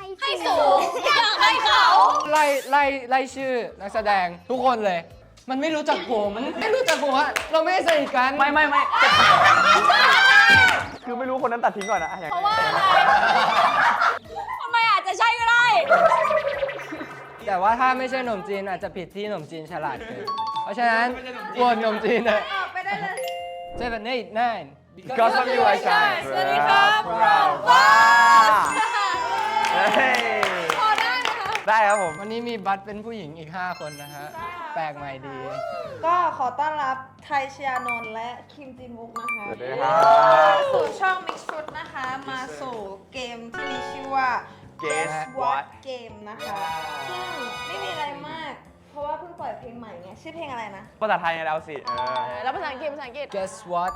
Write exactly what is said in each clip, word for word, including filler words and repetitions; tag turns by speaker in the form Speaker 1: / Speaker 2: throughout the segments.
Speaker 1: ให้สูงอยากให้เขา
Speaker 2: ไล่ไล่ไล่ชื่อนักแสดงทุกคนเลย มันไม่รู้จักผมมันไม่รู้จักผมอะเราไม่ได้สนิทกัน
Speaker 3: ไม่ไม่ไม่คือไม่รู้คนนั้นตัดทิ้งก่อนนะอย่าง
Speaker 1: เพราะว่าอะไรทำไมอาจจะใช่ก็ได้
Speaker 2: แต่ว่าถ้าไม่ใช่หนมจีนอาจจะผิดที่หนมจีนฉลาดเกินเพราะฉะนั้นโหวตหนมจีนเลย
Speaker 1: ไปได้เลย
Speaker 2: seven eight nine
Speaker 3: because of you I shine
Speaker 1: สวัสดีครับพวกเรา
Speaker 3: ว้าเฮ้ย
Speaker 1: พอได้ไหมคะ
Speaker 3: ได้ครับผม
Speaker 2: วันนี้มีบัตรเป็นผู้หญิงอีกห้าคนนะฮะแปลกใหม่ดี
Speaker 4: ก็ขอต้อนรับไทยชยานนท์และคิมจินวุกนะคะ
Speaker 3: สวัสดีครับ
Speaker 4: สู่ช่อง Mix Fruit นะคะ มาสู่เกมที่มีชื่อว่า
Speaker 3: Guess What
Speaker 4: Game นะคะ ซึ่งไม่มีอะไรมาก เพราะว่าเพิ่งปล่อยเพลงใหม่ไง ชื่อเพลงอะไรนะ
Speaker 3: ภาษาไทยไงเราสิเออ
Speaker 1: แล้วภาษาอังกฤษภาษาอังกฤษ
Speaker 2: guess what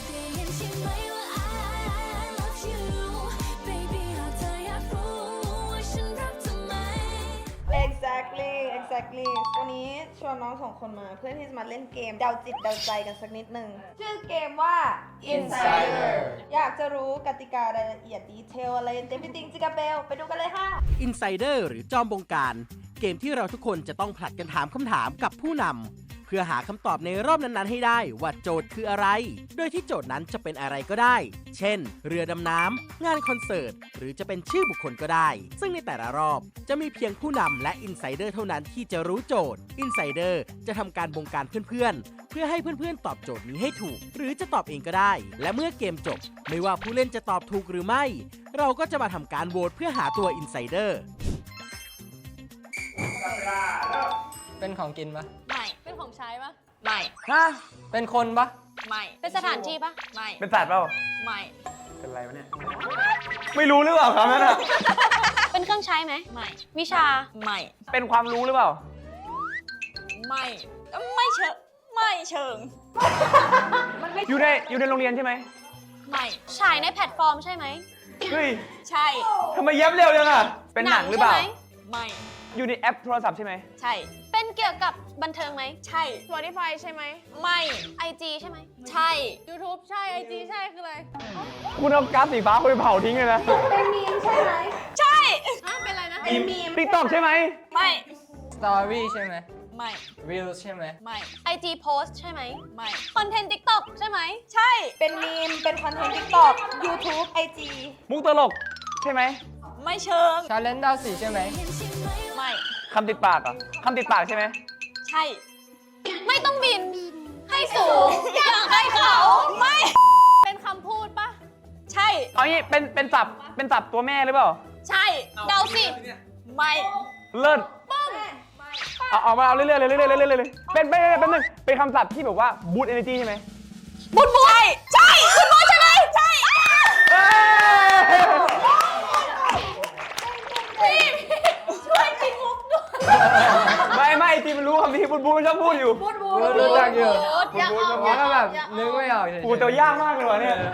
Speaker 4: exactly exactly วันนี้ชวนน้องสองคนมาเพื่อที่จะมาเล่นเกมเดาจิตเดาใจกันสักนิดหนึ่งชื่อเกมว่า Insider อยากจะรู้กติการายละเอียดดีเทลอะไรเต็มจริงจิกาเบลไปดูกันเลยค่ะ
Speaker 5: Insider หรือจอมบงการ เกมที่เราทุกคนจะต้องผลัดกันถามคำถามกับผู้นำเพื่อหาคำตอบในรอบนั้นๆให้ได้ว่าโจทย์คืออะไร โดยที่โจทย์นั้นจะเป็นอะไรก็ได้ เช่น เรือดำน้ำงานคอนเสิร์ตหรือจะเป็นชื่อบุคคลก็ได้ ซึ่งในแต่ละรอบจะมีเพียงผู้นำและ Insider เท่านั้นที่จะรู้โจทย์ Insider จะทำการบงการเพื่อนๆเพื่อให้เพื่อนๆตอบโจทย์นี้ให้ถูก หรือจะตอบเองก็ได้ และเมื่อเกมจบไม่ว่าผู้เล่นจะตอบถูกหรือไม่ เราก็จะมาทำการโหวตเพื่อหาตัว Insider
Speaker 2: เป็นของกินปะ
Speaker 1: ไม่เป็นของใช้ปะไม่
Speaker 3: ฮะ
Speaker 2: เป็นคนปะ
Speaker 1: ไม่เป็นสถานที่ปะไม่
Speaker 3: เป็นสัตว์เปล่า
Speaker 1: ไม่
Speaker 3: เป็นอะไรวะเนี่ย ไม่รู้หรือเปล่าครับนั่นอะ
Speaker 1: เป็นเครื่องใช้ไหมไม่วิชาไม่
Speaker 3: เป็นความรู้หรือเปล่า
Speaker 1: ไม่ไม่เชิงไม่เชิง
Speaker 3: อยู่ในอยู่ในโรงเรียนใช่ไหม
Speaker 1: ไม่ฉายในแพลตฟอร์มใช่ไหม
Speaker 3: เฮ้ย
Speaker 1: ใช่
Speaker 3: ทำไมเย็บเร็วจังอะเป็นหนังหรือเปล่า
Speaker 1: ใช่ไมไม่
Speaker 3: อยู่ในแอปโทรศัพท์ใช่ไหม
Speaker 1: ใช่ เป็นเกี่ยวกับบันเทิงไหมใช่ Spotify ใช่ไหมไม่ ไอ จี ใช่ไหมใช่ YouTube ใช่ ไอ จี ใช่คืออะไร
Speaker 3: คุณเอาก๊าซสีฟ้าไปเผาทิ้งเลยนะ
Speaker 4: เป็นมีมใช่ไหม
Speaker 1: ใช่ฮะเป็นอะไรนะ
Speaker 4: เป็นมีม
Speaker 3: ติ๊กต็อกใช่ไหม
Speaker 1: ไม่
Speaker 2: story ใช่ไหม
Speaker 1: ไม่
Speaker 2: reels ใช่ไหม
Speaker 1: ไม่ ไอ จี post ใช่ไหมไม่ คอนเทนต์ TikTok ใช่ไหมใช่
Speaker 4: เป็นมีม เป็นคอนเทนต์ TikTok YouTube ไอ จี
Speaker 3: มุกตลกใช่ไหม
Speaker 1: ไม่เชิง
Speaker 2: challenge ดาวสีใช่ไหม
Speaker 1: ไม่
Speaker 3: คำติดปากเหรอ่ะคำติดปากใช่ไหม
Speaker 1: ใช่ ไม่ต้องบิน ให้สูงอยากให้เขาไม่ เป็นคำพูดปะใช่
Speaker 3: เอางี้เป็นเป็นสับเป็นสับตัวแม่หรือเปล่า
Speaker 1: ใช่ เดาสิ ไม่
Speaker 3: เลิศเอาเอามาเอาเรื่อยๆเลยเรื่อยๆเรื่อยๆเลยเป็นเป็นเป็นหนึ่งเป็นคำศัพท์ที่แบบว่าบูตเอเนจีใช่ไหม
Speaker 1: บุญบุญใช่ใช่บุญบุญใช่ไหมใช่พี่ช่วยจินมุกด้วย
Speaker 3: ไม่ไม่ทีมันรู้คำที่บูตบูตมันชอบพูดอยู่
Speaker 1: บุญบุญ
Speaker 2: รู้จักอยู่
Speaker 1: อยากออก
Speaker 2: ผม
Speaker 1: อยาก
Speaker 2: ก็
Speaker 1: อ
Speaker 2: แบ
Speaker 1: อก
Speaker 2: บ
Speaker 1: อยากอ
Speaker 2: นึก
Speaker 1: อก
Speaker 2: ไม่ออกเฉยๆ
Speaker 3: กูแต่ยากมากเลยวะเนี่ย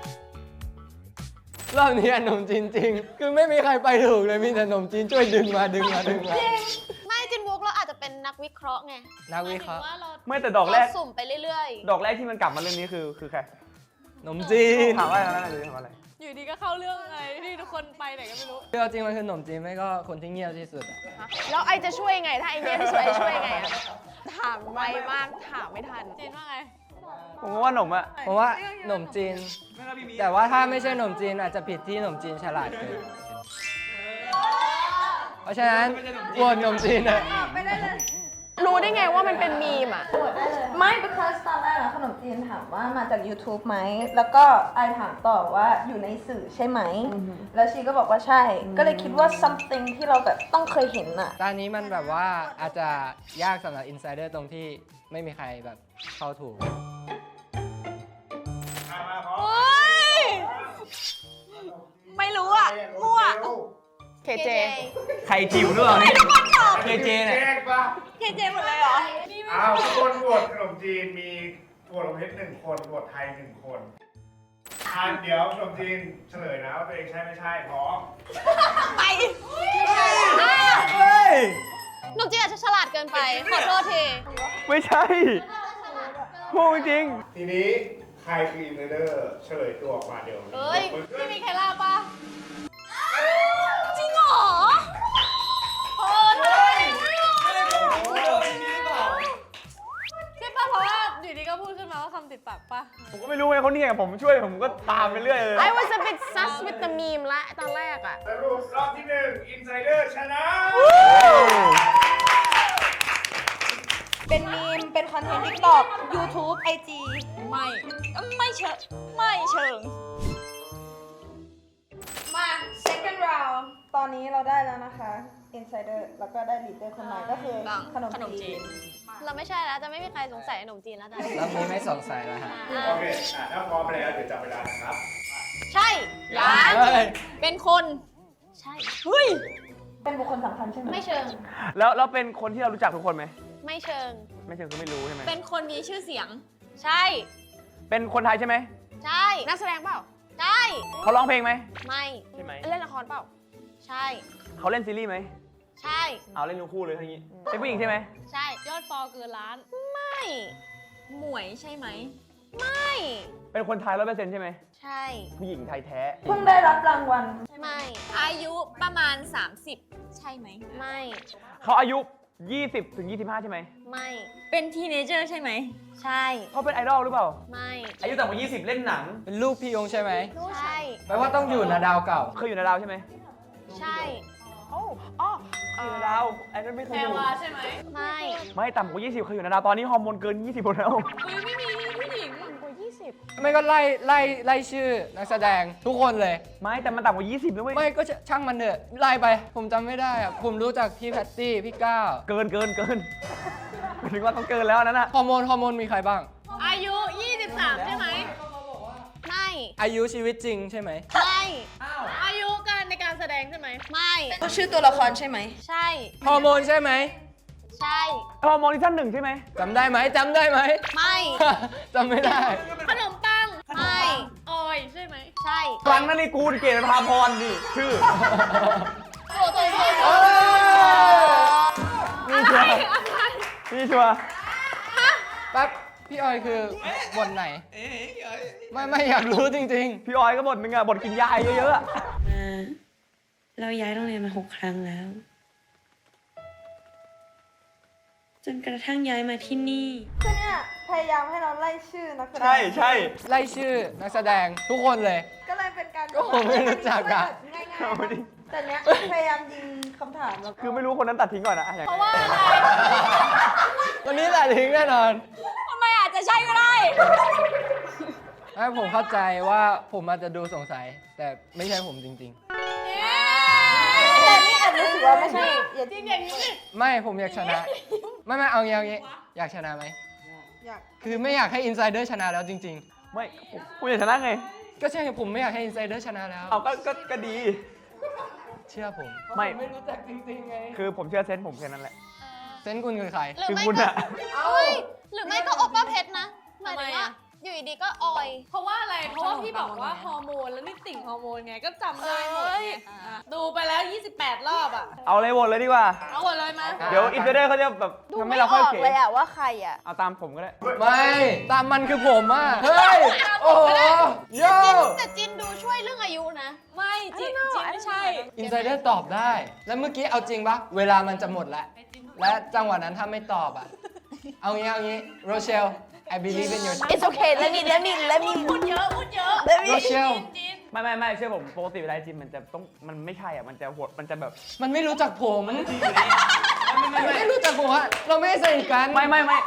Speaker 2: รอบนี้หนมจีนจริง คือไม่มีใครไปถูกเลยมีแต่หนมจีนช่วยดึงมาดึงมาดึงมา
Speaker 1: ไม่จินมุกเราอาจจะเป็นนักวิเคราะห์ไง
Speaker 2: นักวิเคราะห์
Speaker 1: หมายถึงว่าเรา
Speaker 3: ไม่แต่ดอกแรก
Speaker 1: เาสุ่มไปเรื่อย
Speaker 3: ดอกแรกที่มันกลับมาเรื่องนี้คือคือใคร
Speaker 2: หนมจีน
Speaker 3: ถามว่าอะไรนะหรือถามว่าอะไร
Speaker 1: ๆ อยู่ดีก็เข้าเรื่องไงที่ทุกคนไปไหนก็ไม่รู้
Speaker 2: คือเอาจริงมันคือหนมจีนไม่ก็คนที่เงียบที่สุดอะ
Speaker 6: แล้วไอจะช่วยไง ถ้าไอเงียบที่สุดไอช่วยไงอะถามไวมากถามไม่ทัน
Speaker 1: จีนว่าไง
Speaker 3: ผมก็ว่าหนมอะ
Speaker 2: เพราะว่าหนมจีน แต่ว่าถ้าไม่ใช่หนมจีนอาจจะผิดที่หนมจีนฉลาดเกินเพราะฉะนั้นโหวตหนมจีนเลย
Speaker 4: ไปได้เลย
Speaker 6: รู้ได้ไงว่ามันเป็นมีมอ่ะ
Speaker 4: ไม่ because ตอนแรกอะขนมจีนถามว่ามาจาก YouTube ไหม แล้วก็ไอถามต่อว่าอยู่ในสื่อใช่ไหม แล้วชีก็บอกว่าใช่ ก็เลยคิดว่า something ที่เราแบบต้องเคยเห็นอะ
Speaker 2: ตอนนี้มันแบบว่าอาจจะยากสำหรับอินไซเดอร์ตรงที่ไม่มีใครแบบเข้าถูก
Speaker 1: เฮ้ย ไม่รู้อ่ะ มั่ว
Speaker 6: เคเจ
Speaker 3: ใครจิ๋วด้วยเนี่ยเคเจเนี่ย
Speaker 7: แยกปะ
Speaker 1: เคเจหมดเลยเหรอ
Speaker 7: อ้าวทุกคนโหวตขนมจีนมีโหวตลงเพชรหนึ่งคนโหวตไทยหนึ่งคนอ่านเดี๋ยวขนมจีนเฉลยนะว่าตัวเองใช่ไม่ใช่พร้อม
Speaker 1: ไป
Speaker 3: เฮ้ย
Speaker 1: หนุ่มจีนอาจจะฉลาดเกินไป ขอโทษที
Speaker 3: ไม่ใช่พูดจริง
Speaker 7: ทีนี้ใครคืออินเดอร์เฉลยตัวออกมาเดี๋ยว
Speaker 1: เฮ้ย พี่มีใครล่าปะจริงเหรอ
Speaker 3: งผมช่วยผมก็ตามไปเรื่อยเลย
Speaker 6: I was a bit sus with the meme ละตอนแรกอะ
Speaker 7: สรุปรอบที่หนึ่ง Insider ชนะ
Speaker 4: เป็นมีม เป็นคอนเทนต์ TikTok YouTube ไอ จี
Speaker 1: ไม่ ไม่เชิง ไม่เชิง
Speaker 4: มา second round ตอนนี้เราได้แล้วนะคะ Insider แล้วก็ได้ leader คนใหม่ก็คือ
Speaker 1: บัง
Speaker 4: ขนม
Speaker 1: ขนมจี
Speaker 4: จี
Speaker 1: น
Speaker 4: น
Speaker 6: เราไม่ใช่แล้ว จะไม่มีใครสงสัยขนมจีนแล้วจ้ะ
Speaker 2: รอบนี้ไม่สงสัยแล้วฮะ
Speaker 7: โอเคอ่ะถ้าพร้อมแล้วเดี๋ยวจับเวลานะครับ
Speaker 6: ใช่
Speaker 1: ยัง
Speaker 2: เฮ้ย
Speaker 1: เป็นคน
Speaker 6: ใช่
Speaker 1: เฮ้ย
Speaker 4: เป็นบุคคลสำคัญใช่ไหม
Speaker 6: ไม่เชิง
Speaker 3: แล้วแล้วเป็นคนที่เรารู้จักทุกคนไหม
Speaker 6: ไม่เชิง
Speaker 3: ไม่เชิงคือไม่รู้ใช่ไหม
Speaker 1: เป็นคนมีชื่อเสียง
Speaker 6: ใช่
Speaker 3: เป็นคนไทยใช่ไหม
Speaker 6: ใช่ นักแสดงเปล่า ใช่
Speaker 3: เขาร้องเพลงไหม
Speaker 6: ไม่
Speaker 3: ใช่ไหม
Speaker 6: เล่นละครเปล่า ใช่
Speaker 3: เขาเล่นซีรีส์ไหม
Speaker 6: ใช่
Speaker 3: เอาเล่นทั้งคู่เลยทั้งนี้เป็นผู้หญิงใช่ไหม
Speaker 6: ใช่
Speaker 1: ยอดฟอลเกินล้าน
Speaker 6: ไม่
Speaker 1: หมวยใช่ไหม
Speaker 6: ไม่
Speaker 3: เป็นคนไทยร้อยเปอร์เซ็นต์ใช่ไหม
Speaker 6: ใช่
Speaker 3: ผู้หญิงไทยแท้
Speaker 4: เพิ่งได้รับรางวัล
Speaker 6: ไม่
Speaker 1: อายุประมาณ สามสิบ ใช่ไหม
Speaker 6: ไม่
Speaker 3: เขาอายุยี่สิบถึงยี่สิบห้าใช่ไหม
Speaker 6: ไม่
Speaker 1: เป็นทีเนเจอร์ใช่ไหม
Speaker 6: ใช่
Speaker 3: เขาเป็นไอดอลหรือเปล่า
Speaker 6: ไม่
Speaker 3: อายุต่ำกว่ายี่สิบเล่นหนัง
Speaker 2: เป็นลูกพี่ยงใช่ไหม
Speaker 6: ใช่
Speaker 2: แปลว่าต้องอยู่นะดาวเก่า
Speaker 3: เคยอยู่ในดาวใช่ไหม
Speaker 6: ใช่
Speaker 3: โอ้อ๋ออยู่ในดาวไอ้นั่นไม่เคยอยู่
Speaker 1: ใช่ไหม
Speaker 6: ไม่
Speaker 3: ไม่ต่ำกว่ายี่สิบเคยอยู่ในดาวตอนนี้ฮอร์โมนเกินยี่สิบหมดแล้ว
Speaker 1: เฮ้ยไม่มีผู้หญิง
Speaker 6: กว่ายี่สิบ
Speaker 2: ไม่ก็ไล่ไล่ไล่ชื่อนักแสดงทุกคนเลย
Speaker 3: ไม่แต่มันต่ำกว่ายี่สิบนะเว้ย
Speaker 2: ไม่ก็ช่างมันเถอะไล่ไป ผมจำไม่ได้อะผมรู้จักพี่แพตตี้ พี่ก้าว
Speaker 3: เกินเกินเกินหมายถึงว่าต้องเกินแล้วนั่นน่ะ
Speaker 2: ฮอร์โมนฮอร์โมนมีใครบ้าง
Speaker 1: อายุ ยี่สิบสาม ใช่ไหม
Speaker 6: ไม่
Speaker 2: อายุชีวิตจริงใช่ไหม
Speaker 6: ไม่
Speaker 1: อายุการในการแสดงใช่ไหม
Speaker 6: ไม่
Speaker 4: ชื่อตัวละครใช่ไหม
Speaker 6: ใช่
Speaker 2: ฮอร์โมนใช่ไหม
Speaker 6: ใช่
Speaker 3: ฮอร์โมนซีซั่นหนึ่งใช่ไหม
Speaker 2: จำได้ไหมจำได้ไหม
Speaker 6: ไม่
Speaker 2: จำไม่ได้
Speaker 1: ขนมปัง
Speaker 6: ไม่
Speaker 1: ออยใช่ไหม
Speaker 6: ใช่
Speaker 3: ครั้งนั้นนี่กูลเกตพาพรนี่ชื่อ
Speaker 1: โอ้โห
Speaker 3: นี่ชัวร์นี่ชัวร์
Speaker 2: แป๊บ พี่ออยคือบทไหน ไม่ไม่อยากรู้จริง
Speaker 3: พี่ออยก็บทนึงอะบทกินยาเยอะๆอะ
Speaker 8: มาเราย้ายโรงเรียนมาหกครั้งแล้ว จนกระทั่งย้ายมาที่นี่
Speaker 4: คือเนี่ยพยายามให้เราไล่ชื่อนักแสดง
Speaker 3: ใช่ใช่
Speaker 2: ๆ ไล่ชื่อนักแสดงทุกคนเลย
Speaker 4: ก็เลยเป็นการ
Speaker 2: ก็ผมไม่รู้จักอะ
Speaker 4: ง่ายๆแต่เนี้ยพยายามยิงคำถามแล้วก็
Speaker 3: คือไม่รู้คนนั้นตัดทิ้งก่อนนะอยาก
Speaker 1: เพราะว่าอะไร
Speaker 2: วันนี้แหละทิ้งแน่นอน
Speaker 1: ทำไมอาจจะใช่ก็ได้
Speaker 2: ไม่ผมเข้าใจว่าผมอาจจะดูสงสัย แต่ไม่ใช่ผมจริง
Speaker 4: แต่นี่แอบรู้สึกว่าไม่ใช่อย่า
Speaker 1: จริงอย่างนี้
Speaker 2: ๆ ไม่ผมอยากชนะ ไม่ไม่เอางี้เอางี้อยากชนะไหม
Speaker 4: อยาก
Speaker 2: คือไม่อยากให้อินไซเดอร์ชนะแล้วจริง
Speaker 3: ไม่ผมผมอยากชนะไง
Speaker 2: ๆ ก็ใช่ผมไม่อยากให้อินไซเดอร์ชนะแล้ว
Speaker 3: เอาก็ก็ก็ดี
Speaker 2: เชื่อผม
Speaker 3: ไม่
Speaker 2: ผไม่รู้จักจริงๆไง
Speaker 3: คือผมเชื่อเซนส์ผมแค่นั้นแหละ
Speaker 2: เซนส์คุณคือใคร
Speaker 6: หรือ
Speaker 3: คือ
Speaker 6: ไม่
Speaker 3: คุณ
Speaker 6: ก็
Speaker 3: อะ
Speaker 6: เฮ้ยหรือไม่ก็โอป้าเพชรนะหมาย
Speaker 1: ทำไม
Speaker 6: ถึงว่า
Speaker 1: อะ
Speaker 6: อยู่ดีๆก็ออย
Speaker 1: เพราะว่าอะไร เพราะว่าพี่บอกว่าฮอร์โมนแล้วนี่ติ่งฮอร์โมนไง ก็จำได้หมดไงอ่ะดูไปแล้ว ยี่สิบแปด รอบอ่ะ
Speaker 3: เอาเลยโหวตเลยดีกว่า
Speaker 1: เอาหมดเลยมา
Speaker 3: เดี๋ยวอินเตอร์เดอร์เขาจะแบบ
Speaker 6: ดู
Speaker 3: ทำให้
Speaker 6: ไม่
Speaker 3: เรา
Speaker 6: อ
Speaker 3: ค่อย
Speaker 6: อก
Speaker 3: เก๋
Speaker 6: เลยอะว่าใครอะ
Speaker 3: เอาตามผมก็ได้
Speaker 2: ไม่ ตามมันคือผมอ่ะ เฮ้ย โอ้โหโย่
Speaker 6: จินแต่จินดูช่วยเรื่องอายุนะ
Speaker 1: ไม่จิจิไม่ใช่
Speaker 2: อินไซเดอร์ตอบได้ แล้วเมื่อกี้เอาจริงปะเวลามันจะหมดแล้ว และจังหวะนั้นถ้าไม่ตอบอ่ะ เอางี้เอางี้โรเชล I believe in your
Speaker 6: It's okay let me let me let me
Speaker 1: พูดเยอะ พูดเยอะ
Speaker 6: let me
Speaker 2: โรเชล
Speaker 1: จิน
Speaker 3: ไม่ไม่ไม่เชื่อผมปกติเวลาจิมมันจะต้องมันไม่ใช่อ่ะมันจะโหดมันจะแบบ
Speaker 2: มันไม่รู้จักผมมันไม่รู้จักผมอะเราไม่ได้สนิทกัน
Speaker 3: ไม่ไม่ไม่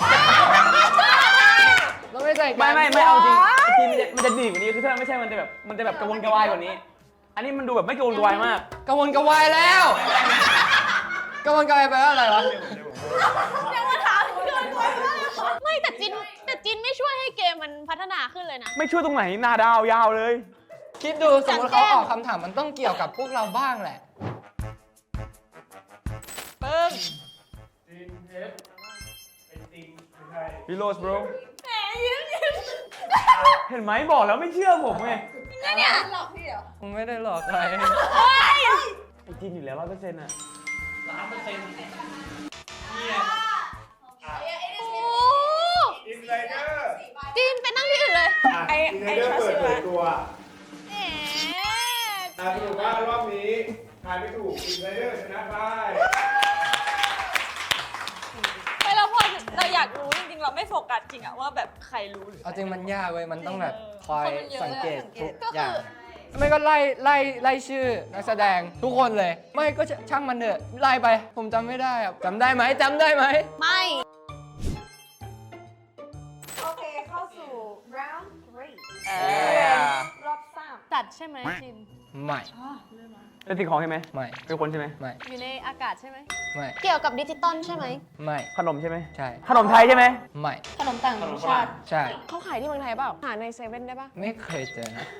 Speaker 2: เราไม่ได้สนิทกั
Speaker 3: ไม่ไม่ไม่เอาจริงไอ้จิมมันจะมันจะดีกว่านี้คือถ้าไม่ใช่มันจะแบบมันจะแบบกระวนกระวายกว่านี้ อันนี้มันดูแบบไม่กระวนกระวายมาก
Speaker 2: กระวนกระวายแล้วกระวนกระวายไปว่าอะไรวะ
Speaker 6: ไม่แต่จินแต่จินไม่ช่วยให้เกมมันพัฒนาขึ้นเลยนะ
Speaker 3: ไม่ช่วยตรงไหนหน้าดาวยาวเลย
Speaker 2: คิดดูสมมติเขาออกคำถามมันต้องเกี่ยวกับพวกเราบ้างแหละ
Speaker 1: ปึ้ง
Speaker 7: จีนเพชรเป็นจริงไม่ใช่
Speaker 3: พี่โรส bro
Speaker 1: แหมยิ้มยิ้ม
Speaker 3: เห็นไหมบอกแล้วไม่เชื่อผมไง
Speaker 4: หลอกพี่เหรอ
Speaker 2: ผมไม่ได้หลอกใคร
Speaker 3: ไอ้จินอยู่แล้วร้อยเปอร์เซ็นต์อ่ะ
Speaker 7: อินไซเดอร์
Speaker 6: จินไปนั่งที่อื่นเลย
Speaker 7: ไออินไซเดอร์เปิดเผยตัว
Speaker 6: แหม
Speaker 7: อ่ะสรุปว่ารอบนี้ทายไม่ถูกอินไซเดอร์ชนะไป
Speaker 1: ไปเราพอเราอยากรู้จริงๆเรา
Speaker 9: เราไม่โฟกัสจริงอะว่าแบบใครรู้หรือ
Speaker 2: เอาจริงมันยากเว้ย มันต้องแบบคอย
Speaker 4: คนมันเยอะ
Speaker 2: สังเกต
Speaker 4: สังเก
Speaker 2: ทุ
Speaker 4: ต
Speaker 2: กอย่าง ไม่ก็ไล่ไล่ไล่ชื่อนักแสดงทุกคนเลย ไม่ก็ช่างมันเถอะไล่ไป ผมจำไม่ได้อะจำได้ไหมจำได้ไหม
Speaker 1: ไม่
Speaker 4: โอเค เข้าสู่ round three
Speaker 6: เอ
Speaker 4: รอบสาม
Speaker 1: จัดใช่ไหมจิน
Speaker 2: ไม่
Speaker 3: เป็นสิ่งของใช่ไหม
Speaker 2: ไม่
Speaker 3: เป็นคนใช่ไหม
Speaker 2: ไม่
Speaker 1: อยู่ในอากาศใช่ไหม
Speaker 2: ไม่
Speaker 1: เกี่ยวกับดิจิตอลใช่ไหม
Speaker 2: ไม่
Speaker 3: ขนมใช่ไหม
Speaker 2: ใช่
Speaker 3: ขนมไทยใช่ไหม
Speaker 2: ไม่
Speaker 4: ขนมต่างชาติ
Speaker 2: ใช่
Speaker 6: เขาขายที่เมืองไทยเปล่า หาในเซเว่นได้ปะ
Speaker 2: ไม่เคยเจอนะ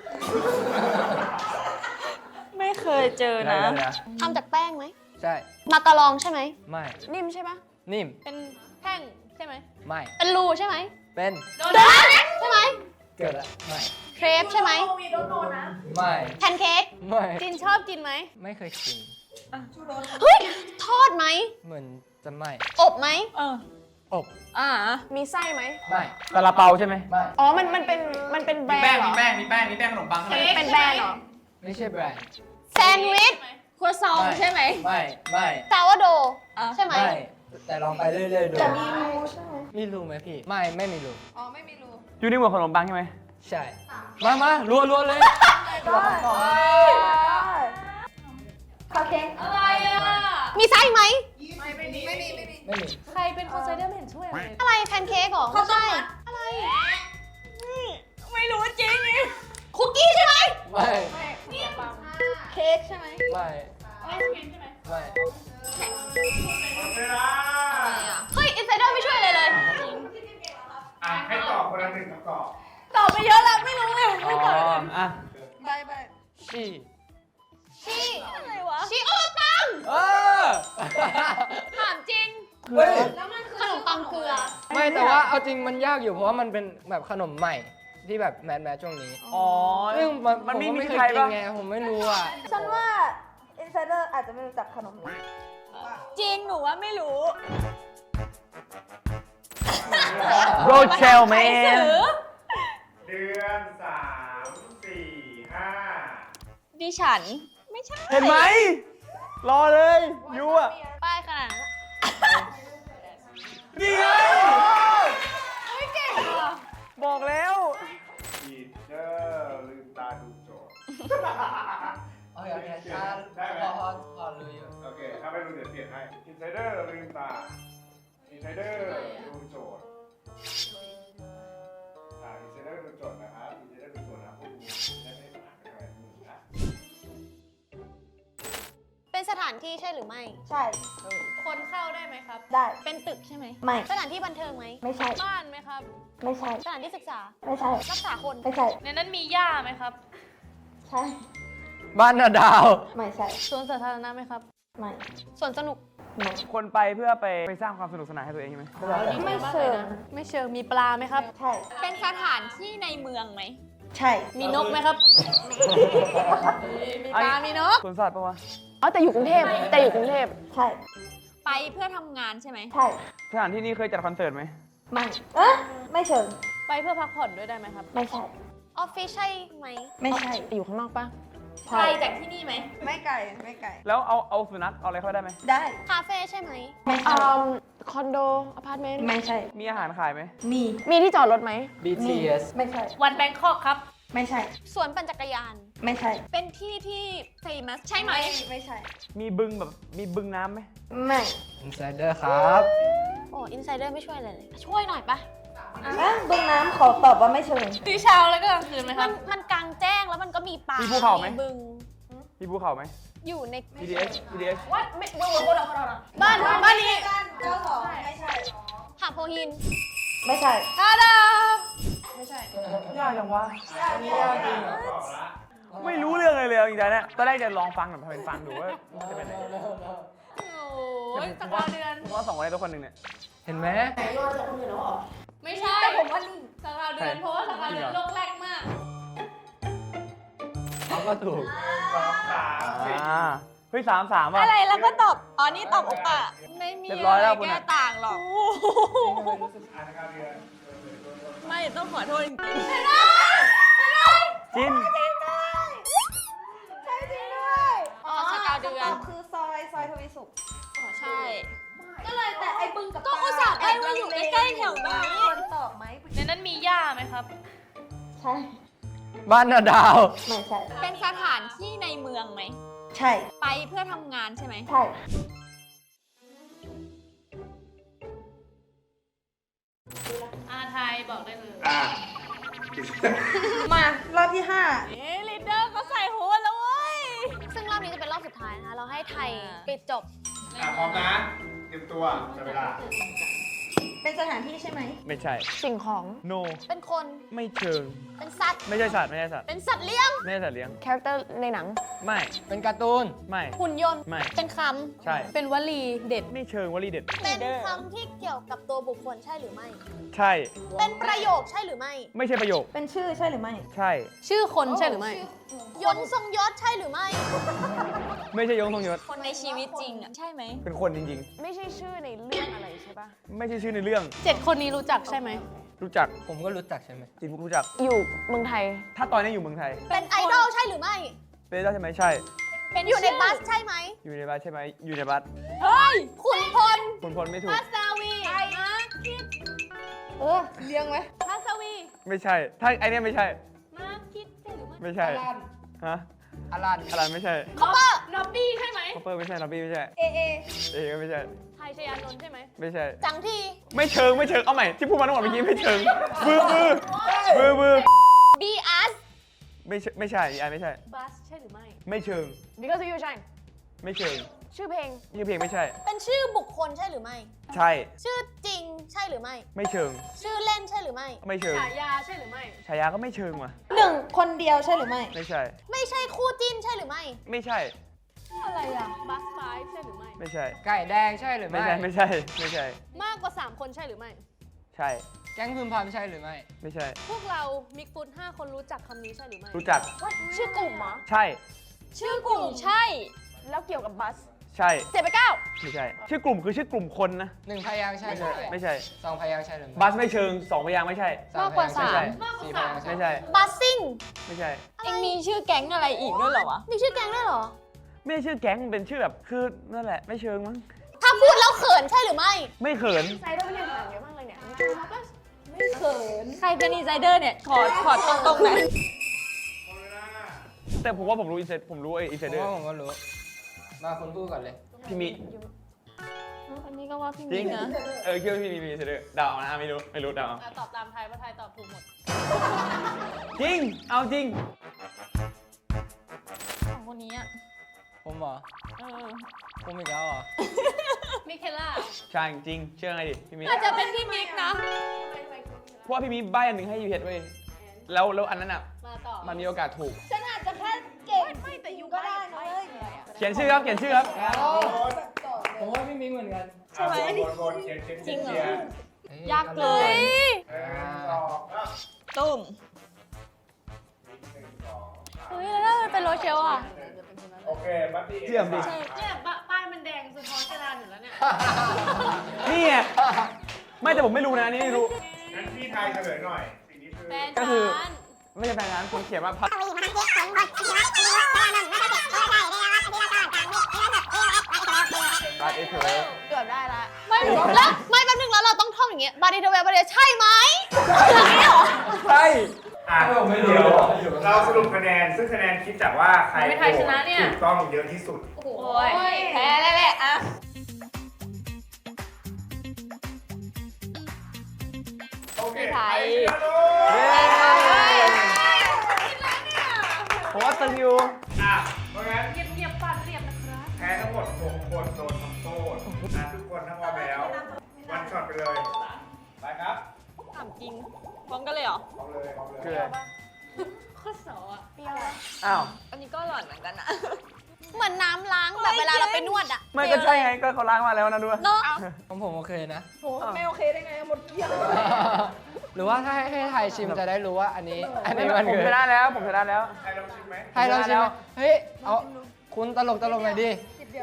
Speaker 9: ไม่เคยเจอนะ
Speaker 3: เดี๋ยวเดี๋ยว
Speaker 1: ทำจากแป้งไหม
Speaker 2: ใช่
Speaker 1: มาการองใช่ไหม
Speaker 2: ไม่
Speaker 6: นิ่มใช่ปะ
Speaker 2: นิ่ม
Speaker 1: เป็นแท่งใช่ไหม
Speaker 2: ไม่
Speaker 1: เป็นรูใช่ไหม
Speaker 2: เป็น
Speaker 1: โดนัทใช่ไหม
Speaker 2: เกิดอะไม่
Speaker 1: เครปใช่ไหม
Speaker 2: ไม่
Speaker 1: แพนเค้ก
Speaker 2: ไม่
Speaker 1: จินชอบกินไหม
Speaker 2: ไม่เคยกิน
Speaker 1: เฮ้ย ทอดไหม
Speaker 2: เหมือนจะไม่
Speaker 1: อบไหม
Speaker 9: เออ
Speaker 2: อบ
Speaker 9: อ่า
Speaker 6: มีไส้ไหม
Speaker 2: ไม่
Speaker 3: ซาลาเปาใช่ไหม
Speaker 2: ไม่
Speaker 6: อ๋อ มัน มันเป็น มันเป็นแบรนด์เหรอ
Speaker 3: มีแป้ง มีแป้ง มีแป้งขนมปัง
Speaker 6: มันเป็นแบรนด์เหรอ
Speaker 2: ไม่ใช่แบรนด์
Speaker 1: แซนด์วิช
Speaker 9: ครัวซองใช่ไหม
Speaker 2: ไม่ ไม่
Speaker 1: ซาวโด
Speaker 9: อ่ะ
Speaker 1: ใช่ไหม
Speaker 2: ไม่ แต่ลองไปเรื่อยๆดู
Speaker 4: แต่มีรูใช่ไหม
Speaker 2: มีรูไหมพี่ ไม่ ไม่มีรู
Speaker 4: อ๋อ ไม่มีรู
Speaker 3: อยู่ในหมวดขนมปังใช่ไหม
Speaker 2: ใช่ มามารัวรัวเลย
Speaker 4: คัพเค้ก
Speaker 9: อะไรอ่ะ
Speaker 1: มีไส้ไหม
Speaker 4: ไม่มี ไม่มี ไม่มี
Speaker 2: ไม่มี
Speaker 1: ใครเป็นคนไซเดอร์ไม่เห็นช่วยเลยอะไรแพนเค้กเหรอไม่ใช่อะไร
Speaker 9: ไม่รู้จริง
Speaker 1: คุกกี้ใช่ไหม
Speaker 2: ไม่
Speaker 4: เค้กใช่ไหม
Speaker 2: ไม่ ไม่
Speaker 7: หมดเวลา
Speaker 1: เฮ้ยอินไซเดอร์ไม่ช่วยเลยเลย
Speaker 7: อ่ะให้ตอบคนละหนึ่งคำตอบ
Speaker 9: ตอบไปเยอะแล้วไม่รู้เลย
Speaker 3: อ๋อ อ่ะ
Speaker 4: บายบาย
Speaker 2: ชี่
Speaker 1: ชี
Speaker 9: อะไรวะ
Speaker 1: ชีโอตัง
Speaker 2: เออ
Speaker 1: ถามจริง
Speaker 2: เฮ้ย
Speaker 1: ขนมปังเกลือ
Speaker 2: ไม่แต่ว่าเอาจริงมันยากอยู่เพราะว่ามันเป็นแบบขนมใหม่ที่แบบแมสแมสช่วงนี้
Speaker 3: อ๋อ
Speaker 2: ซึ่งมัน
Speaker 3: มัน
Speaker 2: ผม
Speaker 3: มี
Speaker 2: ก็
Speaker 3: มี
Speaker 2: ไม่เคย
Speaker 3: ใคร
Speaker 2: กิน
Speaker 3: ปะ
Speaker 2: ไงผมไม่รู้อ่ะ
Speaker 4: ฉันว่า insider อาจจะไม่รู้จักขนมนี้
Speaker 9: จริงหนูว่าไม่รู้
Speaker 3: โรเชลแม
Speaker 9: ใคร
Speaker 3: น
Speaker 9: สือ
Speaker 7: เดือนสามสี่ห้า
Speaker 9: ดิฉัน ไม่ใช่
Speaker 3: เห็นไหม รอเลยยูอ่ะ
Speaker 1: ป้ายขนาดนั้น
Speaker 3: นี่ไงบอกแล้ว
Speaker 7: ทีเดอร์ลืมตาดูโจทย์
Speaker 2: โอเคโอเคอ่ะ
Speaker 7: ได้ไหม
Speaker 2: พอพอพอรู้อยู่
Speaker 7: โอเค ถ้าไม่รู้เดี๋ยวเปลี่ยนให้อินไซเดอร์ลืมตาอินไซเดอร์ดูโจทย์อ่าอินไซเดอร์ดูโจทย์นะครับอินไซเดอร์ดูโจทย์นะพวกคุณได้ไม่ได้ปัญหาอะไรมือนะ
Speaker 1: เป็นสถานที่ใช่หรือไม่
Speaker 4: ใช่
Speaker 1: คนเข้าได้ไหมครับ
Speaker 4: ได้
Speaker 1: เป็นตึกใช่ไหม
Speaker 4: ไม่
Speaker 1: สถานที่บันเทิงไหม
Speaker 4: ไม่ใช่
Speaker 1: บ้านไหมครับ
Speaker 4: ไม่ใช่
Speaker 1: สถานที่ศึกษา
Speaker 4: ไม่ใช่
Speaker 1: รักษาคน
Speaker 4: ไม่ใช่
Speaker 1: ในนั้นมีหญ้าไหมครับ
Speaker 4: ใช่
Speaker 2: บ้านนาดาว
Speaker 4: ไม่ใช่
Speaker 1: สวนสาธารณะไหมครับ
Speaker 4: ไม่
Speaker 1: สวนสนุก
Speaker 4: ไม่
Speaker 3: คนไปเพื่อไปไปสร้างความสนุกสนานให้ตัวเองใช่ไหม
Speaker 4: ไม่เชิง
Speaker 1: ไม่เชิง มีปลาไหมครับ
Speaker 4: ใช่
Speaker 9: เป็นสถานที่ในเมืองไหม
Speaker 4: ใช่
Speaker 1: มีนกไหมครับ มีปลา มีนก
Speaker 3: สวนสัตว์ปะวะ
Speaker 6: อ๋อ แต่อยู่กรุงเทพ แต่อยู่กรุงเทพ
Speaker 4: ใช่
Speaker 9: ไปเพื่อทำงานใช่ไหม
Speaker 4: ใช่
Speaker 3: สถานที่นี้เคยจัดคอนเสิร์ตไหม
Speaker 4: ไม่เอ๊ะไม่เชิง
Speaker 1: ไปเพื่อพักผ่อนด้วยได้ไหมครับ
Speaker 4: ไม่ใช่
Speaker 1: ออฟฟิศใช่ไหม
Speaker 4: ไม่ใช่
Speaker 6: อยู่ข้างนอกปะ
Speaker 4: ใช่
Speaker 9: ไกลจากที่นี่ไหม
Speaker 4: ไม่ไกล ไม่ไกล
Speaker 3: แล้วเอาเอาสุนัขเอาอะไรเข้าไปได้ไหม
Speaker 4: ได้
Speaker 1: คาเฟ่ใช่ไหม
Speaker 4: ไม่
Speaker 6: อื
Speaker 4: ใช่
Speaker 6: มคอนโด อพาร์ตเมนต์
Speaker 4: ไม่ใช่
Speaker 3: มีอาหารขายไหม
Speaker 4: มี
Speaker 6: มีที่จอดรถไหม
Speaker 2: บี ที เอส
Speaker 4: ไม่ใช่
Speaker 1: วันแบงคอกครับ
Speaker 4: ไม่ใช่
Speaker 1: สวนปั่นจักรยาน
Speaker 4: ไม่ใช่
Speaker 9: เป็นที่ที่ famous ใช่ไหม
Speaker 4: ไม่ใช่
Speaker 3: มีบึงแบบมีบึงน้ำไหม
Speaker 4: ไม่
Speaker 2: อินไซเดอร์ครับ
Speaker 1: โอ้อินไซเดอร์ไม่ช่วยอะไรเลย ช่วยหน่อยปะ
Speaker 4: อ่ะบึงน้ำขอตอบว่าไม่เชิง
Speaker 1: ตีเช้าแล้วก็กลางคืนไหมครับ มันกลางแจ้งแล้วมันก็มีป่า
Speaker 3: มี
Speaker 1: มี
Speaker 3: ภูเขาไหม
Speaker 1: บึง
Speaker 3: มีภูเขาไหม
Speaker 1: อยู่ใน
Speaker 3: พี ดี เอส พี ดี เอส
Speaker 1: วัดไม่บึงคนละคนละบ้านบ้านนี้
Speaker 4: เจ้าของไม่ใช่
Speaker 1: หาดโพหิน
Speaker 4: ไม่ใช่
Speaker 1: ทาดา
Speaker 3: ยากจังวะ
Speaker 2: นี่ยากจริงเหรอ
Speaker 7: ตอบละ
Speaker 3: ไม่รู้เรื่องเลยเลยจริงๆเนี่ยตอนแรกจะลองฟังแบบเป็นฟังดูว่ามันจะเป็นอะไร
Speaker 1: โอ้ยสักวันเดือน
Speaker 3: ผมว่าสองคนในตัวคนหนึ่งเนี่ย
Speaker 2: เห็นไหม
Speaker 1: ไม่ใช่แต่ผมว่าสักวันเดือนเพราะว่าสักวันเดือนโลกแรกมาก
Speaker 2: เขาก็ถูก
Speaker 7: สองสามสี่
Speaker 3: อ่า เฮ้ยสามสามว่ะ
Speaker 9: อะไรแล้วก็ตอบ อ๋อ นี่ตอบโอปะไม่มี
Speaker 3: เรียบร้อยแล้วคุณ
Speaker 9: แก้
Speaker 3: อะ
Speaker 9: ต่างหรอก
Speaker 7: อ่านการเดือน
Speaker 9: ไม่ต้องขอโทษจริง
Speaker 3: จิน
Speaker 4: ใช่จริงด้วย
Speaker 1: อ๋อสกาวเดือน
Speaker 4: คำตอบคือซอย ซอยทวีสุข
Speaker 1: อ๋อใช่
Speaker 4: ใก็เลยแต่ไอ้บึงกับ
Speaker 9: ก็อุตส่าห์ใกล้ว่าอยู่ใกล้ๆแถวนี้
Speaker 4: ควรตอบไหม
Speaker 1: ในนั้นมีหญ้าไหมครับ
Speaker 4: ใช่
Speaker 2: บ้านนาดาว
Speaker 4: ไม่ใช่
Speaker 9: เป็นสถานที่ในเมืองไหม
Speaker 4: ใช่
Speaker 9: ไปเพื่อทำงานใช่ไหม
Speaker 4: ใช่
Speaker 1: อาไทยบอกได้เลย
Speaker 7: อ่ะ
Speaker 4: มารอบที่ห้า
Speaker 9: เอ๊ลีดเดอร์เขาใส่หัวแล้วเว้ย
Speaker 1: ซึ่งรอบนี้จะเป็นรอบสุดท้ายนะคะ เราให้ไทยปิดจบ
Speaker 7: อ่ะพร้อมนะเตรียมตัวจับเวลา
Speaker 4: เป็นสถานที่ใช่ไหม
Speaker 3: ไม่ใช่
Speaker 6: สิ่งของ
Speaker 3: no
Speaker 1: เป็นคน
Speaker 3: ไม่เชิง
Speaker 1: เป็นสัตว์
Speaker 3: ไม่ใช่สัตว์ไม่ใช่สัตว์
Speaker 1: เป็นสัตว์เลี้ยง
Speaker 3: ไม่ใช่สัตว์เลี้ยง
Speaker 6: คาแรคเตอร์ในหนัง
Speaker 3: ไม่
Speaker 2: เป็นการ์ตูน
Speaker 3: ไม่
Speaker 1: หุ่นยนต์
Speaker 3: ไม่
Speaker 1: เป็นค
Speaker 3: ใช่
Speaker 1: ำ เป็นวลีเด็ด
Speaker 3: ไม่เชิงวลีเด็ด
Speaker 1: เป็นคำที่เกี่ยวกับตัวบุคคลใช่หรือไม่
Speaker 3: ใช่
Speaker 1: เป็นประโยคใช่หรือไม่
Speaker 3: ไม่ใช่ประโยค
Speaker 4: เป็นชื่อใช่หรือไม่
Speaker 3: ใช่
Speaker 1: ชื่อคนใช่หรือไม่ ยนต์ทรงยศใช่หรือไม่
Speaker 3: ไม่ใช่ยงทรงยศ
Speaker 9: คนในชีวิตจริงอ่ะ ใช่ไหม
Speaker 3: เป็นคนจริง
Speaker 6: ไม่ใช่ชื่อในเรื่องอะไรใช่ปะ
Speaker 3: ๆ ไม่ใช่ชื่อในเรื่อง
Speaker 1: เจ็ดคนนี้รู้จักใช่ไหม
Speaker 3: รู้จัก
Speaker 2: ผมก็รู้จักใช่ไหม
Speaker 3: จริงรู้จัก
Speaker 6: อยู่เมืองไทย
Speaker 3: ถ้าตอนนี้อยู่เมืองไทย
Speaker 1: เป็นไอดอลใช่หรือไม่
Speaker 3: เป็นได้ใช่ไหมใช่
Speaker 1: เป็นอยู่ในบัสใช่ไหม
Speaker 3: อยู่ในบัสใช่ไหมอยู่ในบัส
Speaker 1: เฮ้ย ขุนพล
Speaker 3: คนพลไม่ถูก
Speaker 1: พัสวีนะ
Speaker 4: เออเลี้ยงไหม
Speaker 1: พัสวี
Speaker 3: ไม่ใช่ ถ้าไอเนี้ยไม่ใช่
Speaker 1: มาคิดใช่หรือไม่
Speaker 3: ไม่ใช่ ฮะ
Speaker 2: อลัน
Speaker 3: อะไรไม่ใช่
Speaker 1: คอปเปอร์นอบบี้ใช่ไหม
Speaker 3: คอปเปอร์ไม่ใช่ลอบบี้ไม่ใช่
Speaker 4: เอเอ
Speaker 3: เอก็ไม่ใช่
Speaker 1: ไทยชยานนท์ใช่ไหม
Speaker 3: ไม่ใช่
Speaker 1: จังที
Speaker 3: ไม่เชิงไม่เชิง เอาใหม่ ที่พูดมาทั้งหมดเมื่อกี้ไม่เชิงบือบือบือบือ
Speaker 1: บีอาร์ส
Speaker 3: ไม่ใช่ไม่ใช่ไอไม่ใช่
Speaker 1: บัสใช่หรือไม่
Speaker 3: ไม่เชิง
Speaker 6: because of you shine
Speaker 3: ไม่เชิง
Speaker 6: ชื่อเพลง
Speaker 3: ชื่อเพลงไม่ใช่
Speaker 1: เป็นชื่อบุคคลใช่หรือไม่
Speaker 3: ใช่
Speaker 1: ชื่อจริงใช่หรือไม่
Speaker 3: ไม่เชิง
Speaker 1: ชื่อเล่นใช่หรือไม่
Speaker 3: ไม่เชิง
Speaker 1: ฉายาใช่หรือไม่
Speaker 3: ฉายาก็ไม่เชิงว่ะ
Speaker 4: หนึ่งคนเดียวใช่หรือไม่
Speaker 3: ไม่ใช่
Speaker 1: ไม่ใช่คู่จิ้นใช่หรือไม่
Speaker 3: ไม่ใช่
Speaker 1: อะไรอะบัสไฟใช่หรือไม่
Speaker 3: ไม่ใช่
Speaker 2: ไก่แดงใช่หรือ
Speaker 3: ไม่
Speaker 2: ไม่
Speaker 3: ใช่ ไม่ใช่ ไม่ใช่
Speaker 1: มากกว่า 3 คนใช่หรือไม่
Speaker 3: ใช่
Speaker 2: แก๊งพึมพำใช่หรือไม่
Speaker 3: ไม่ใช่
Speaker 1: พวกเรามิกฟุตห้าคนรู้จักคำนี้ใช่หรือไม่
Speaker 3: รู้จัก
Speaker 6: ชื่อกลุ่มเหรอ
Speaker 3: ใช่
Speaker 1: ชื่อกลุ่มใช่
Speaker 6: แล้วเกี่ยวกับบัส
Speaker 3: ใช่
Speaker 6: เจ็ดไปเก้า
Speaker 3: ไม่ใช่ ชื่อกลุ่มคือชื่อกลุ่มคนนะ
Speaker 2: หนึ่งพยางค์ใช่หรือไม่
Speaker 3: ไม่ใช่
Speaker 2: สองพยางค์ใช่หรือไม่
Speaker 3: บัสไม่เชิงสองพยางค์ไม่ใช่
Speaker 2: สามพยางค์ใช่หรือไม่สี่พยางค์ใช่
Speaker 3: ไม่ใช่
Speaker 1: บัสซิ่ง
Speaker 3: ไม่ใช่
Speaker 9: เองมีชื่อแก๊งอะไรอีกด้วยเหรอวะ
Speaker 1: มีชื่อแก๊งด้วยเหรอ
Speaker 3: ไม่ใช่ชื่อแก๊งมันเป็นชื่อแบบ คือนั่นแหละ ไม่เชิงมั้ง
Speaker 1: ถ้าพูดแล้วเขินใช่หรือไม่
Speaker 3: ไม่เขิน
Speaker 6: ไซเดอร์ไม่เล่นหนังเยอะมากเลยเนี่ย
Speaker 1: ไม่เขิน
Speaker 9: ใครเป็นอินไซเดอร์เนี่ย ขอขอตรงๆหน่อย
Speaker 3: แต่ผมว่าผมรู้อินเซตผมรู้ไออิน
Speaker 2: ผ
Speaker 3: เซ
Speaker 2: ม
Speaker 3: เดอร์
Speaker 2: ว่าผมก็รู้ มาคุณพูดก่อนเลย
Speaker 3: พี่มิ
Speaker 9: อันนี้ก็ว่าพี่
Speaker 3: จริ
Speaker 9: มิ
Speaker 3: ง
Speaker 9: กนะ
Speaker 3: เออคิดว่าพี่มิมีอินเซเดอร์เดาเอานะไม่รู้ ไม่รู้เดาเอา
Speaker 1: ตอบตามไทยว่าไทยตอบถูกหมด
Speaker 3: จริง เอาจริง
Speaker 9: ของคนนี้อ่ะ
Speaker 2: ผมเหรอ
Speaker 9: เออ
Speaker 2: ผมอีกแล้วเหรอ
Speaker 1: มิเคล่า
Speaker 3: ใช่จริง เชื่อไงดิ พี่มิ
Speaker 9: อาจจะเป็นพี่มิกนะ
Speaker 3: เพราะว่าพี่มิใบอันหนึ่งให้ยูเพชรเว้ย แล้วแล้วอันนั้นอ่ะ
Speaker 1: มาต่อ
Speaker 3: มันมีโอกาสถูก
Speaker 4: ฉันอาจจะแค่เก่งไม่แต่ยูก็ได้นะเว้ย
Speaker 3: เขียนชื่อครับ เขียนชื่อครับ
Speaker 2: ผมว่าพี่มิ้งเหมือนกัน
Speaker 7: ใช่ไหมบนๆเขียนเขียน
Speaker 9: จริงเหรอ
Speaker 7: ขียน
Speaker 9: ยากเลย
Speaker 7: หนึ่งสองสาม
Speaker 9: ตุ้ม
Speaker 7: หนึ่งสองสาม
Speaker 9: เฮ้ยแล้วถ้ามันเป็นโรเชลอ่ะ
Speaker 7: โอเคบัดดี้
Speaker 3: เยี่ยมดิ
Speaker 1: เนี่ยป้ายมันแดงสะท้อนกระดานอยู่แล้วเนี่ย
Speaker 3: นี่ไงไม่แต่ผมไม่รู้นะอันนี่ไม่รู้
Speaker 7: งั้นพี่ทายเฉลยหน่อย สิ่งนี้คือ
Speaker 1: แฟน
Speaker 3: ก็คือ
Speaker 1: ฉัน
Speaker 3: ไม่ใช่แฟนนั้นผมเขียนว่าพัด รัดเอเธอร์
Speaker 6: เกือบได้ละ
Speaker 1: ไม่แล้วไม่แป๊บนึงแล้วเราต้องท่องอย่างเงี้ยบาร์ดีเทเวลบาร์ดีใช่ไหม
Speaker 3: ใช่
Speaker 7: อ่ะ
Speaker 2: ผมไม่รู้
Speaker 7: เดี๋ยวเราสรุปคะแนน ซึ่งคะแนนคิดจากว่าใคร
Speaker 1: ไม่ไทยชนะเนี่ย
Speaker 7: ถูกต้องเยอะที่สุด
Speaker 1: โอ้โห
Speaker 9: โอ้ยแพ้แล้วแหละอ่ะ
Speaker 7: โอเค
Speaker 9: ไม่ไทย
Speaker 7: ชนะด้ว
Speaker 3: เย้
Speaker 7: ย
Speaker 3: ผมว่าตึงอยู่
Speaker 7: อ่ะเพราะงั้น
Speaker 1: เงียบเงียบๆฟาดเรียบนะครับ
Speaker 7: แพ้ทั้งหมดหกคนโดนทำโทษอ่ะทุกคนทั้งพร้อมแล้ว วันช็อตไปเลย ไปครับ
Speaker 9: ถามจริง พร้อมกันเลยเหรอ
Speaker 7: พร้อมเลยพร้อมเลย
Speaker 3: คืออะไร
Speaker 1: ข้อสอบอ่ะ
Speaker 3: อ้าว
Speaker 9: อันนี้ก็หล่อนเหมือนกันนะ
Speaker 1: เหมือนน้ำล้างแบบเวลาเราไปนวดอ่ะ
Speaker 3: ไม่ก็ใช่ไง ก็เขาล้างมาแล้วนะด้วย
Speaker 1: เนาะ
Speaker 2: ผมผมโอเคนะ
Speaker 4: โหไม่โอเคได้ไงหมดเกลี้ยง
Speaker 2: หรือว่าถ้าให้ให้ไทยชิมจะได้รู้ว่าอันนี้ อันนี้มัน
Speaker 3: ผม
Speaker 2: คือ
Speaker 3: ชนะแล้ว ผมชนะแล้ว
Speaker 7: ใครลองชิมไหม
Speaker 2: ไทยลองชิมไหมเฮ้ย เอาคุณตลกตลกหน่อยดิ
Speaker 4: จิบเดียว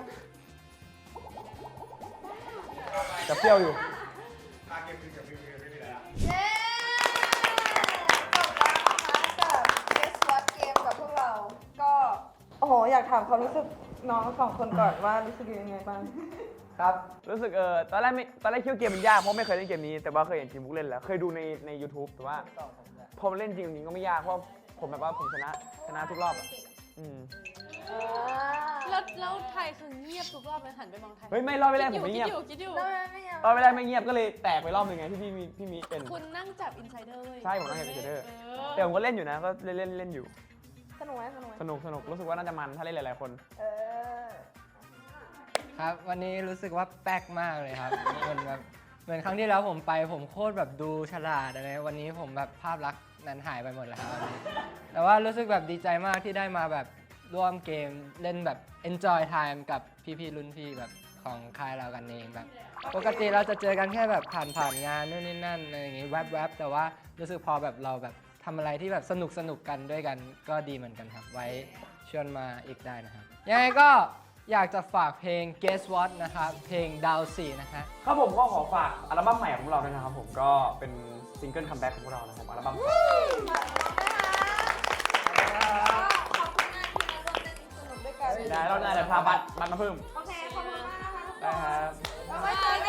Speaker 3: จะเปรี้ยวอยู่
Speaker 7: ตาเก็บคือกับพี่ไม่มีอะไรละ
Speaker 4: เย้จบแล้วนะคะกับ Guess What Game กับพวกเรา ก็ โอ้โห อยากถามความรู้สึกน้องสองคนก่อนว่ารู้สึกยังไงบ้าง
Speaker 2: ครับ
Speaker 3: รู้สึกเออตอนแรกไม่ตอนแรกคิดว่าเกมมันยากเพราะไม่เคยเล่นเกมนี้แต่ว่าเคยเห็นทีมบุ๊กเล่นแล้วเคยดูในใน YouTube แต่ว่าพอมาเล่นจริงจริงก็ไม่ยากเพราะผมแบบว่าผมชนะชนะทุกรอบอ่ะอืม
Speaker 1: แล้วแล้วไทยคือเงียบทุกรอบเลยหันไปมองไทย
Speaker 3: เฮ้ยไม่รอบไม่แรกผมไม่
Speaker 1: คิ
Speaker 3: เงีย
Speaker 1: ด
Speaker 3: บ
Speaker 1: อยู่คิดอยู่
Speaker 3: รอบไม่แรกไม่เงียบก็เลยแตกไปรอบหนึงไงที่พี่มีพี่มีเป็น
Speaker 1: คุณนั่งจับอินไซเดอร์เว้ย
Speaker 3: ใช่ผมนั่งจับ insider
Speaker 1: เอ
Speaker 3: แต่ผมก็เล่นอยู่นะก็เล่นเล่นเล่นอยู่
Speaker 4: สนุกไหมสนุกไหม
Speaker 3: สนุกสนุกรู้สึกว่าน่าจะมันถ้าเล่นหลายๆคน
Speaker 4: เออ
Speaker 2: ครับ วันนี้รู้สึกว่าแป๊กมากเลยครับ เหมือนแบบเหมือนครั้งที่แล้วผมไปผมโคตรแบบดูฉลาดอะไรวันนี้ผมแบบภาพลักษณ์นั้นหายไปหมดแล้วครับวันนี้แต่ว่ารู้สึกแบบดีใจมากที่ได้มาแบบร่วมเกมเล่นแบบ enjoy time กับพี่ๆรุ่นพี่แบบของค่ายเรากันเองแบบปกติเราจะเจอกันแค่แบบผ่านผ่านงานนู่นนี่นั่นอะไรอย่างงี้แวบๆแต่ว่ารู้สึกพอแบบเราแบบทำอะไรที่แบบสนุกสนุกกันด้วยกันก็ดีเหมือนกันครับไว้ชวนมาอีกได้นะครับยังไงก็อยากจะฝากเพลง Guess What นะครับเพลงดาวสี่นะฮะ
Speaker 3: ครับผมก็ขอฝากอัลบั้มใหม่ของเราด้วยนะครับผมก็เป็นซิงเกิลคัมแบ็กของพวกเรานะครับอัลบั้ม
Speaker 4: ขอบคุณมากที่มาร่วมเล่นสนุกด้วยกัน
Speaker 3: ได้เราได้แต่พาบัตรบัตรมาเพิ่ม
Speaker 4: โอเค ขอบคุณมากนะคะทุกค
Speaker 3: ได้
Speaker 4: น
Speaker 3: ครับ
Speaker 4: แล้วไว้เจอกัน